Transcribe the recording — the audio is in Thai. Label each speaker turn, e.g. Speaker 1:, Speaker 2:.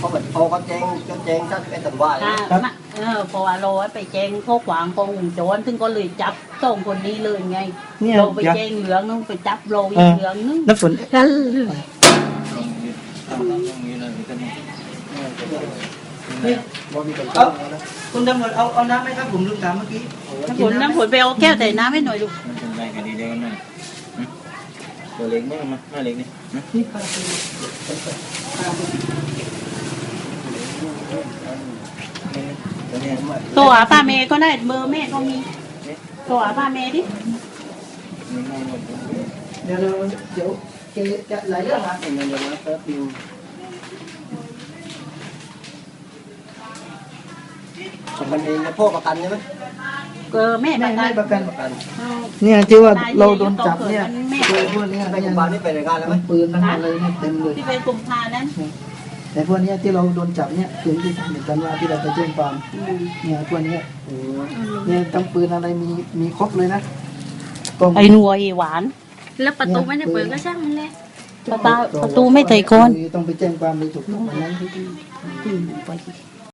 Speaker 1: เขาแบบพอเขาแจ้งถ้าเป็นตำรวจ
Speaker 2: เพราะว่าเราไปแจ้งข้อขวางของวงจรซึ่งก็เลยจับสองคนนี้เลยไง
Speaker 3: เนี่ย
Speaker 2: เราไปแจ้งเหลืองนึงไปจับโรยเหลืองนึง
Speaker 3: น้ำฝน คุณตำรวจเอาน้ำไหมครับผมลืมถามเมื่อกี้
Speaker 2: น้ำฝนไปเอาแก้วแต่น้ำให้หน่อยลูก
Speaker 4: มันเป็นไรกันดีเด้อหน่อยตัวเล็กมั้งมาเล็กนี่
Speaker 3: นี่ครับ
Speaker 2: ตัวหาป้าเมย์ก็ได้เบอร์แม่ก็มีตัวหาป้าเมย์ดิ
Speaker 3: เดี๋ยวเกจะหลายเรื่องนะ
Speaker 1: เงินเดือนนะแป๊บนึงของมันเองนะพ่อประกันใช่ไหม
Speaker 2: แม่
Speaker 3: ไม่ประกัน
Speaker 1: ประกัน
Speaker 3: เนี่ยที่ว่าเราโดนจับเนี่ยตัวพวกนี้
Speaker 1: ไปโรงพยาบาลนี่ไปรายงานแล้วไหม
Speaker 3: ปืนทั้งอะไรเนี่ยเต็มเลย
Speaker 2: ที่เป็นกลุ่มพานั้น
Speaker 3: แต่พวกนี้ที่เราโดนจับเนี่ยคือที่เหมือนกันว่าที่เราไปแจ้งความเนี่ยพวกนี้เนี่ยตั้งปืนอะไรมีครบเลยนะ
Speaker 2: ไอ้หนัวไอ้หวาน
Speaker 5: แล้วประตูไม่ได้เปิดก็ช่างมันเลย
Speaker 2: ประตูไม่ใส่คน
Speaker 3: ต้องไปแจ้งความเลยถูกต้องวันนั้น
Speaker 2: ไป